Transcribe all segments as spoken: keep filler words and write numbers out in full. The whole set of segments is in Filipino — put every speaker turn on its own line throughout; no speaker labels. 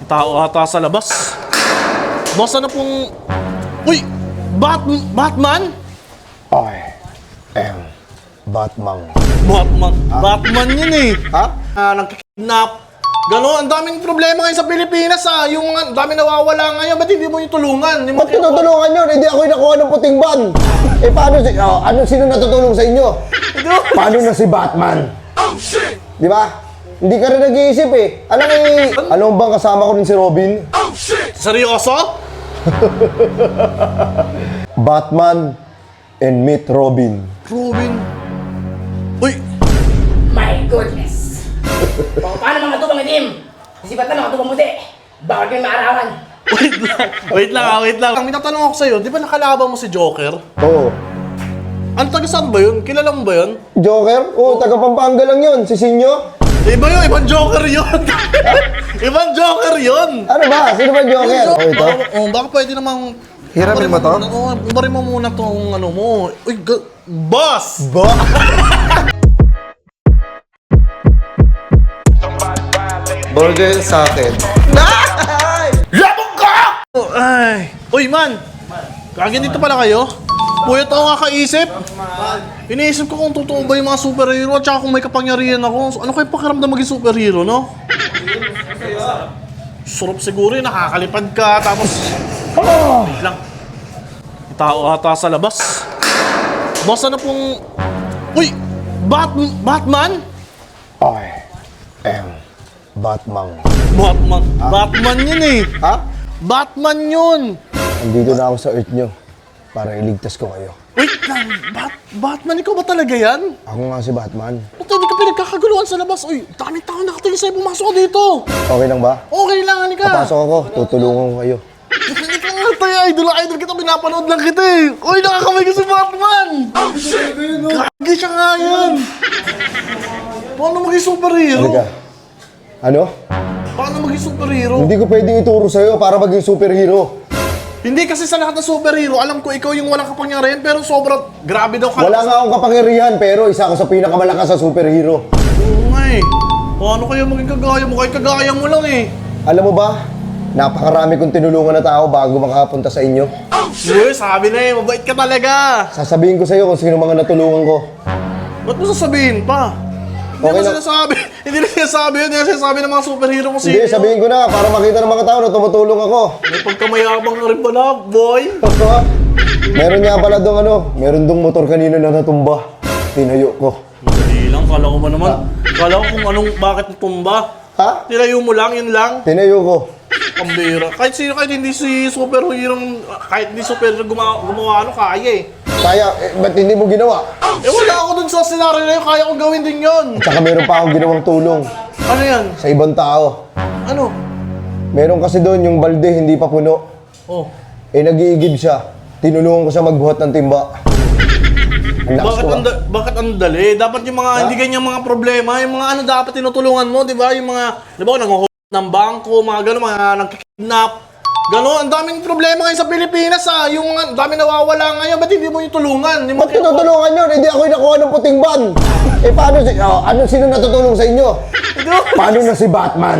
Tao ata sa labas. Boss, ano pong... Uy! Bat Batman?
I am Batman.
Batman. Batman yun eh.
Ha?
Ah, nagkikidnap. Gano'n, ang daming problema ngayon sa Pilipinas ah. Yung ang daming nawawala ngayon, ba't hindi mo yung tulungan? Hindi mo
Ba't tinutulungan yun? Hindi ako yung nakuha ng puting ban. Eh paano si... Oh, ano, sino natutulong sa inyo? Paano na si Batman? Di ba? Hindi ka rin nag-iisip eh. Alam eh, alam mo bang kasama ko rin si Robin?
Seryoso?
Batman and meet Robin.
Robin. Uy!
My goodness! O, paano mga tubang itim? Isipat na mga tubang muti. Bawal kayong maarawan.
Wait lang. Wait lang ah, wait lang. May tatanong ako sa'yo, di ba nakalaban mo si Joker?
Oo.
Ano taga saan ba yun? Kilala mo ba yun?
Joker? Oo, taga Pampanga lang yun. Si Sinyo?
Iba yun, ibang Joker yun. Ibang Joker yun.
Ano ba? Sino ba Joker? Oh, ito?
Baka, oh, baka pwede namang...
Hiramin mo to?
Oo, ibarin mo muna tong ano mo. Uy, ga- boss!
Ba? Burger sa akin.
Labog ka! Ay! Uy, man! Kagin dito pala kayo? Puyat ako kakaisip. Iniisip ko kung totoo ba yung mga superhero at saka kung may kapangyarihan ako. Ano kayo pakiramdam maging superhero, no? Sarap siguro yun, nakakalipad ka, tapos... Wait lang. May tao ata sa labas. Boss, ano pong... Uy! Bat Batman?
I am Batman.
Batman. Batman yun eh.
Ha?
Batman yun.
Nandito na ako sa Earth nyo para iligtas ko kayo.
Wait lang. Bat Batman, ikaw ba talaga yan?
Ako nga si Batman.
Ba't hindi ka pinagkakaguluhan sa labas? Uy, daming tao nakatingin sa'yo. Pumasok ka dito.
Okay lang ba?
Okay lang, halika.
Papasok ako, tutulungan ko kayo.
Hindi ka nga tayo, idol. Idol kita, pinapanood lang kita eh. Uy, nakakamay ka si Batman. Gagi siya nga yan. Paano maging superhero?
Halika. Ano?
Paano maging superhero?
Hindi ko pwedeng ituro sa'yo para maging superhero.
Hindi kasi sa lahat ng superhero, alam ko ikaw yung walang kapangyarihan, pero sobrang grabe daw ka.
Wala nga akong kapangyarihan pero isa ako sa pinakamalakas sa superhero.
Oo nga eh. Paano kayo maging kagaya mo? Kahit kagaya mo lang eh.
Alam mo ba? Napakarami kong tinulungan na tao bago makapunta sa inyo.
Uy, sabi na eh, mabait ka talaga.
Sasabihin ko sa'yo kung sino mga natulungan ko.
Ba't mo sasabihin pa? Hindi
Okay
na
lang.
sinasabi. Hindi na sinasabi yun. Hindi na sinasabi ng mga superhero kung sino.
Hindi, sabihin ko na para makita ng mga tao na tumutulong ako.
May pagkamayabang ka rin pala, boy.
Meron nga pala dong ano, meron dong motor kanina na natumba. Tinayo ko.
Hindi lang, kala ko ba naman. Kala ko kung anong, bakit tumba.
Ha?
Tirayo mo lang, yun lang.
Tinayo ko.
Pambira. Kahit sino, kahit hindi si superhero, kahit hindi superhero gumawa, gumawa ano, kaya eh.
Kaya, eh, ba't hindi mo ginawa?
Eh wala ako dun sa scenario na yun, kaya kong gawin din yun.
At saka meron pa akong ginawang tulong
Ano yan?
sa ibang tao.
Ano?
Meron kasi doon yung balde hindi pa puno.
Oh.
Eh nag-iigib siya. Tinulungan ko siya magbuhat ng timba. Ang lakas
Bakit
ko,
ang,
ah.
da- bakit ang dali? Dapat yung mga, hindi ganyan mga problema, yung mga ano dapat tinutulungan mo, di ba? Yung mga, di ba, nanguhulog ng bangko, mga gano'n, mga nagkikidnap. Gano'n, ang daming problema ngayon sa Pilipinas ah. Yung mga, ang daming nawawala ngayon, ba't hindi mo yung tulungan? Hindi mo
Ba't tinutulungan yun? Hindi ako yung nakuha ng puting ban. Eh paano si... Oh, ano, sino natutulong sa inyo? Paano na si Batman?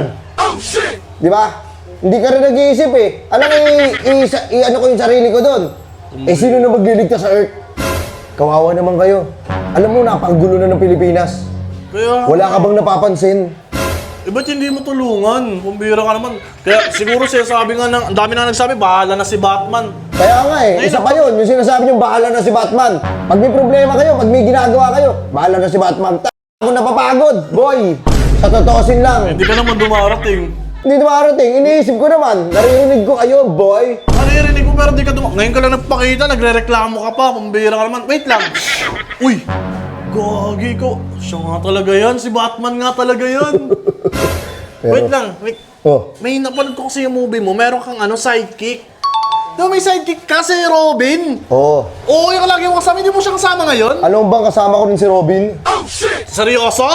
Di ba? Hindi ka rin nag-iisip eh. Alam mo, i- i- i- ano ko yung sarili ko doon. Eh sino na magliligtas sa Earth? Kawawa naman kayo. Alam mo, napakagulo na ng Pilipinas.
Kaya,
Wala ka bang napapansin?
eh ba't hindi mo tulungan? Kumbira ka naman. Kaya siguro siya sabi nga, ng, ang dami na nagsabi, bahala na si Batman.
Kaya nga eh, isa pa yun, yung sinasabi nyo, bahala na si Batman. Pag may problema kayo, pag may ginagawa kayo, bahala na si Batman. Ta*** ako napapagod, boy. Sa totoosin lang.
Hindi ka naman dumarating.
Hindi dumarating, iniisip ko naman. Naririnig ko kayo, boy.
Naririnig mo pero di ka dumarating. Ngayon ka lang nagpakita, nagre-reklamo ka pa. Kumbira ka naman. Wait lang. Uy! Gagi ko. Siya nga talaga yan. Si Batman nga talaga yan.
Pero-
Wait lang. Wait.
Oh,
May napanood ko kasi yung movie mo. Meron kang ano, sidekick. Di ba may sidekick ka si Robin?
oo.
Oo, yung lagi mo kasama. Hindi mo siya kasama ngayon?
Alam mo bang kasama ko rin si Robin?
Seryoso?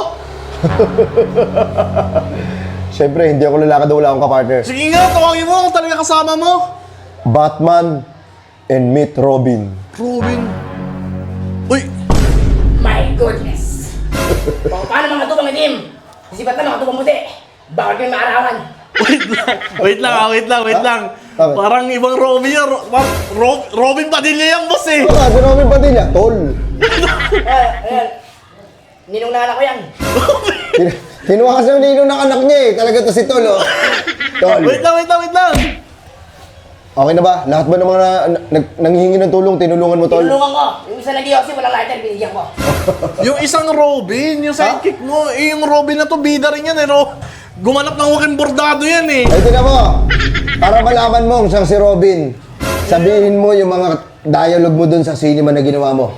Siyempre, hindi ako lalakad na wala akong kapartner.
Sige nga, tawagin mo kung talaga kasama mo.
Batman and meet Robin.
Robin. Uy!
My goodness! O, paano mga tubang itim? Isipat na mga tubang muti. Bawal kayong maarawan.
Wait lang, wait lang, ah, wait lang, wait lang.
Bakit?
Parang ibang Robin yan. Ro- Ro- Ro- Robin Padilla yan, boss eh.
Ito nga, si Robin Padilla, tol.
Eh, ayan. Ninong na anak ko yan.
Kin- Kinuha kasi yung ninong ng anak niya eh. Talaga to si Tol, oh. Tol.
Wait lang, wait lang, wait lang.
Okay na ba? Lahat ba ng mga na, nag, nanghihingi ng tulong, tinulungan mo, Tol?
Tinulungan ko. Yung isa nag kasi walang lighter, binigyan ko.
Yung isang Robin, yung sidekick mo, eh, yung Robin na to, bida rin yan eh, no? Gumanap ng huking bordado yan eh.
Ay, tingnan mo. Para malaman mo kung siyang si Robin, sabihin mo yung mga dialogue mo dun sa cinema na ginawa mo.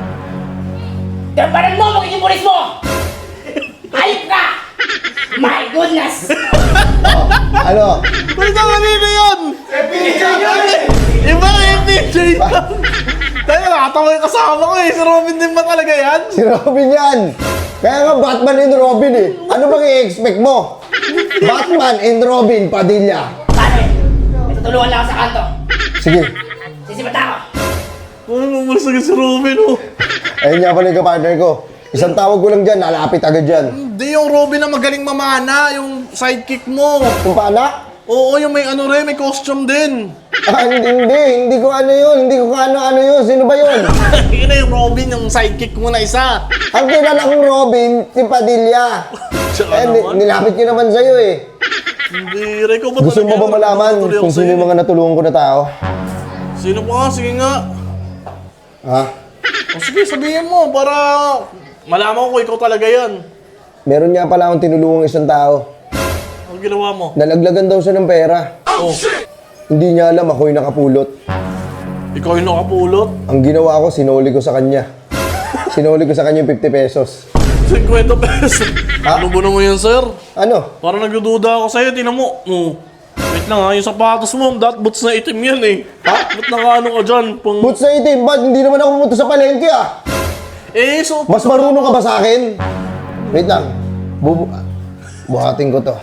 Gamparan mo, magiging pulis mo! Hayop ka! My goodness!
Ano?
Wait lang, kanina yan? F P J yan eh! Iba F P J yan! Tayo, nakatawa yung kasama ko eh. Si Robin din ba talaga yan?
Si Robin yan. Kaya nga Batman and Robin eh. Ano bang i-expect mo? Batman and Robin Padilla.
Pare, may tutulungan lang ako sa kanto.
Sige.
Sisipat ako.
Ano mamalas agad si Robin oh?
Ayun nga pala yung kapartner ko. Isang tawag ko lang dyan, lalapit agad dyan.
Hindi yung Robin na magaling mamana, yung sidekick mo.
Kung paano?
Oo, yung may ano rin, may costume din.
Ah, hindi, hindi. Hindi ko ano yun. Hindi ko ano-ano yun. Sino ba yun?
Yun na yung Robin, yung sidekick mo na isa.
Ang kilala kong Robin, si Padilla.
Tsaka
Eh, ni-
naman.
nilapit ko naman sa'yo eh.
Hindi, Rico ba
Gusto mo
talaga
ba
yan?
malaman
Tuloy ako
kung sino
sa'yo.
yung mga natulungan ko na tao?
Sino pa nga? Sige nga.
Ha?
O sige, sabihin mo para malaman ko kung ikaw talaga yan.
Meron nga pala akong tinulungang isang tao.
Ano ginawa mo?
Nalaglagan daw siya ng pera.
Oh,
Hindi niya alam ako yung nakapulot.
ikaw yung nakapulot.
Ang ginawa ko, sinuli ko sa kanya. Sinuli ko sa kanya yung fifty pesos.
fifty pesos.
Ha?
Ano ba naman yan, sir?
Ano?
Parang nagdududa ako sa'yo, tinan mo. Oh. Wait lang ha, yung sapatos mo, dot boots na itim yan eh. Ha? Ba't nakaano ka dyan? Pang...
Boots na itim, ba't hindi naman ako pumunta sa palengke ah?
Eh, so...
Mas marunong ka ba sa akin? Wait lang. Bubu... Buhatin ko to.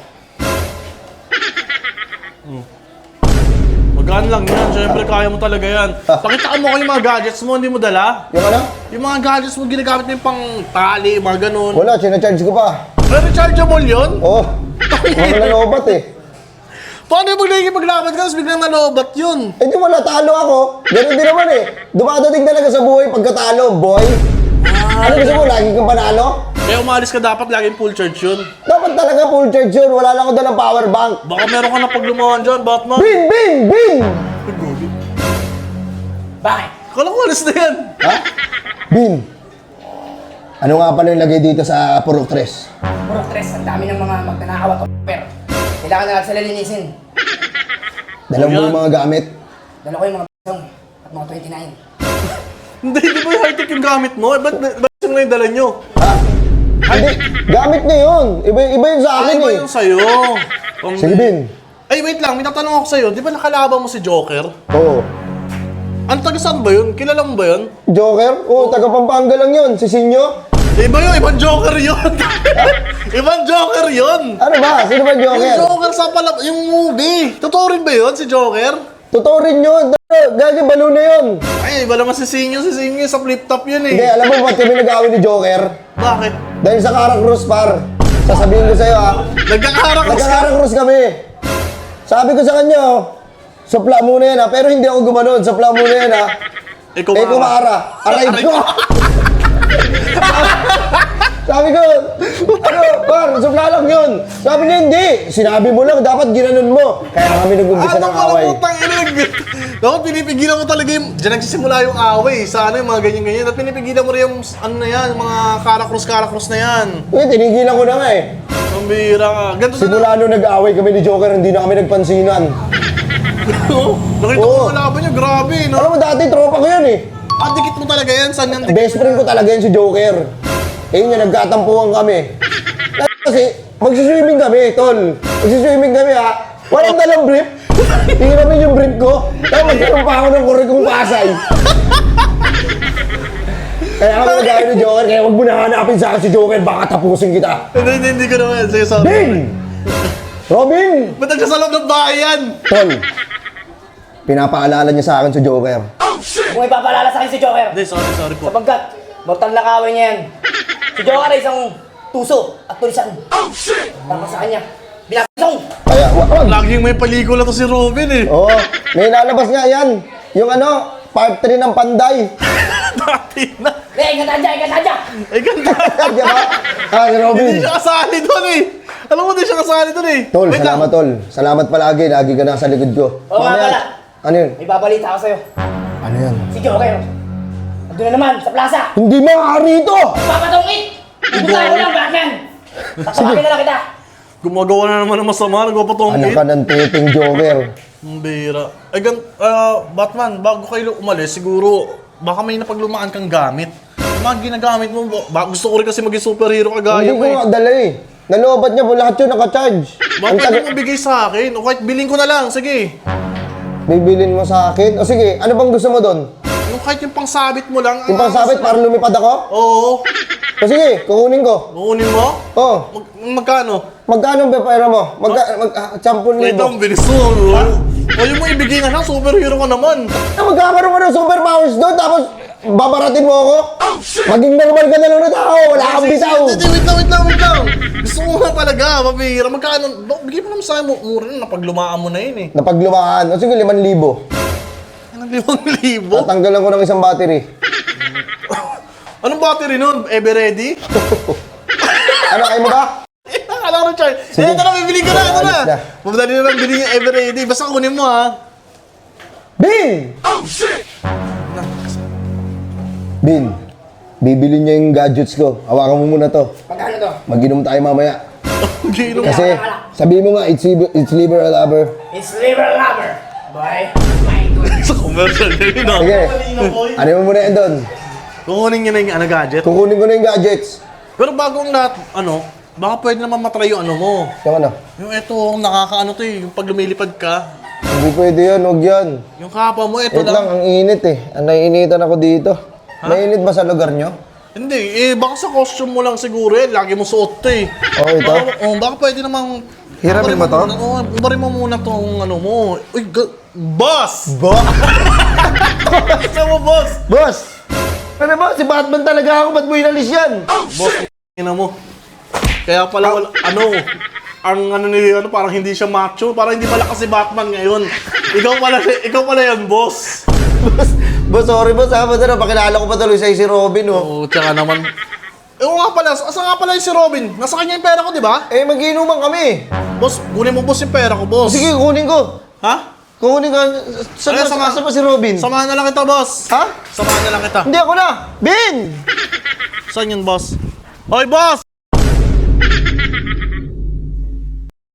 Magaan lang yan, syempre kaya mo talaga yan. Pakitaan mo ko yung mga gadgets mo, hindi mo dala?
Yung ano?
Yung mga gadgets mo, ginagamit mo yung pang tali, mga ganun.
Wala, sinacharge ko pa.
Eh, rechargeable yun?
Oo. Oh, mga nalobat eh.
Paano yung pag maglaban ka, tapos biglang nalobat yun?
Eh di wala, talo ako. Ganun din naman eh. Dumadating talaga sa buhay pagkatalo, boy. Ano gusto mo, lagi kang panalo?
Kaya umalis ka dapat, laging full charge yun.
Dapat talaga full charge yun. Wala lang ako dalang power bank.
Baka meron ka na paglumawan dyan, Batman.
Bin, bin, bin!
Bakit?
Kala ko alis na yan.
Ha? Bin. Ano nga pala yung lagay dito sa Purok Tres?
Puro stress, ang dami ng mga magnanakaw at pero kailangan na lang sila linisin.
Dala mo yung mga gamit.
Dala ko yung mga b***ong at mga twenty-nine.
Hindi, di ba yung high-tech yung gamit mo? Eh, ba't, ba't yung na yung dala nyo?
Ha? Hindi, gamit niya yun. Iba, iba yun sa akin
Ano ba
eh.
yung sa'yo? Pang-
Sige, Bin.
Ay, wait lang, may tatanong ako sa'yo. Di ba nakalaban mo si Joker?
Oo.
Ano, taga saan ba yun? Kilala mo ba yun?
Joker? Oo, taga Pampanga lang yun. Si Sinyo?
Iba yun, ibang Joker yun. Ibang Joker yun.
Ano ba? Sino ba
Yung
Joker?
Joker sa pala, yung movie. Totoo rin ba yun, si Joker?
Totoo rin yun. Gagi, balo na yun.
Ay, iba naman si Sinyo, si Sinyo sa flip-top yun
Hindi,
eh.
alam mo ba't kami nag-away ni Joker?
Bakit?
Dahil sa Caracruz, par. Sasabihin ko sa'yo ha.
Nagkakarak ka.
Nagka-Caracruz kami. Sabi ko sa kanya, oh, supla muna yan ha. Pero hindi ako gumanon. Supla muna yan ha.
Eh,
Eh, kumara. Aray ko. Sabi ko, ano, par, supla lang yun. Sabi niya, hindi. Sinabi mo lang, dapat ginanon mo. Kaya kami nag-umpisa ng away.
Putang ina. Dapat pinipigilan mo talaga yung, dyan nagsisimula yung away. Sa ano yung mga ganyan-ganyan. At pinipigilan mo rin yung, ano na yan, yung mga karakros-karakros na yan.
Eh, tinigilan ko na nga eh.
Ang bihira ka. Ganito na.
Simula nung nag-away kami ni Joker, hindi na kami nagpansinan.
Nakita ko
Oo.
yung laban niyo, grabe, no?
Alam mo, dati tropa ko yan eh.
Ah, dikit mo talaga yan. Saan yan?
Best friend ko talaga yan si Joker. Eh yun nga, nagkatampuhan kami. Kasi, magsiswimming kami, tol. Magsiswimming kami ha. Walang dalang brief. Hiramin yung brief ko. Kaya magkaroon pa ako ng kurikong pasay. Kaya kami nag-away ni Joker, kaya huwag mo na hanapin sa akin si Joker, baka tapusin kita.
Hindi, hindi, hindi ko naman. Sige, sorry.
Bin! Robin!
Ba't nagka sa loob ng bahay yan?
Tol, pinapaalala niya sa akin si Joker.
Kung ipapalala sa akin si Joker,
Hindi, sorry, sorry po.
sapagkat mortal na kaway niya yan. Si Joker ay isang tuso at tulisan. Tapos sa kanya, Binabasong!
Kaya, wa- wag.
Laging may pelikula to si Robin eh.
Oo, may lalabas nga yan. Yung ano, part three ng Panday.
Dati na.
Eh, ingat aja, ingat aja!
Eh, ganda.
Di ba? Ah, si Robin.
Hindi siya kasali doon eh. Alam mo, hindi siya kasali doon eh.
Tol,
Wait
salamat
lang.
tol. Salamat palagi. Lagi ka nasa likod ko.
Oo nga
Mamaya-
pala.
Ano yun?
May babalita ako sa'yo.
Ano yan?
Si Joker. Andun na naman, sa plaza.
Hindi maaari ito!
Papatungit! Pupunta ko lang, Batman! Tatawagin na lang kita.
Gumagawa na naman ng masama,
Anak
nagpapatongkit.
ka ng titing Joker.
Ang bira. Eh, gan, ah, Batman, bago kayo umalis, siguro, baka may napaglumaan kang gamit. Yung mga ginagamit mo, ba, gusto ko rin kasi maging superhero kagaya
Hindi
mo
ko
eh.
nga dala eh. Naloobat niya po lahat yun nakacharge.
Baka
Ang
pwede
taga-
mo bigay sa akin. O kahit bilhin ko na lang, sige.
Bibilin mo sa akin? O sige, ano bang gusto mo doon?
Yung kahit yung pangsabit mo lang.
Yung
ah,
pangsabit para lumipad ako?
Oo.
O sige, kukunin ko.
Kukunin mo?
Oh,
Mag, magkano?
magkano ba pera mo? Mag, mag, ah, sampung
Wait
libo.
lang, bilis mo. O yung mo ibigay na lang, superhero ka naman.
Ah, magkakaroon ka ng superpowers doon, tapos babaratin mo ako? Maging normal ka na lang na tao, wala kang bitaw.
Hindi, wait lang, wait lang, wait lang. Gusto ko nga talaga, mabihira. Magkano? No, bigay mo naman sa akin, mu- mura na, napaglumaan mo na yun eh.
Napaglumaan. O sige, limang libo.
Anong limang libo?
Tatanggalan ko ng isang battery.
Anong battery nun? Ever ready?
Ano, kayo mo ba?
Akala ko na, Charlie. Eh, ito na, bibili ka na, ito na.
Alis na.
Mabdali na lang bilhin yung ever ready. Basta kunin mo ha.
Bin! Bin, bibili niya yung gadgets ko. Hawakan mo muna to.
Magkano to?
Mag-inom tayo mamaya.
Gino.
Kasi, sabi mo nga, it's, liber- it's liver a lover.
It's liver lover. Boy, my goodness.
Sa commercial yun, no?
Sige, ano mo muna yan doon?
Kukunin niya na yung ano, gadget.
Kukunin ko na yung gadgets.
Pero bago ang lahat, ano, baka pwede naman matry yung ano mo.
Yung ano?
Yung eto, nakakaano to eh, yung pag lumilipad ka.
Hindi pwede yan, huwag yan.
Yung kapa mo, eto
Wait lang,
lang.
ang init eh. Ang naiinitan ako dito. Mainit ba sa lugar nyo?
Hindi, eh, baka sa costume mo lang siguro eh. Lagi mo suot to eh.
Oh, ito?
Baka, oh, baka pwede namang...
Hiramin mo to?
muna- Oo, ubarin mo muna tong ano mo. Uy, ga- boss!
Bo?
Isa mo, boss!
Boss! Ano ba? Si Batman talaga ako. Ba't mo inalis yan?
Boss, ina mo. Kaya pala wala, ano, ang ano ni, ano, parang hindi siya macho. Parang hindi malakas si Batman ngayon. Ikaw pala, siya- ikaw pala yan, boss.
boss, boss, sorry boss ha. Ba't ano, pakilala ko pa tuloy sa'yo si Robin oh.
Oo, tsaka naman. Eh, oo nga pala, asa nga pala yung si Robin? Nasa kanya yung pera ko, di ba?
Eh, mag-iinuman kami.
Boss, kunin mo boss yung pera ko, boss.
Sige, kukunin ko.
Ha?
Kukunin ka. Saan
Ay,
ba,
sama-
saan ba si Robin?
Samahan na lang kita, boss.
Ha?
Samahan na lang kita.
Hindi ako na. Bin!
Saan yun, boss? Hoy, boss!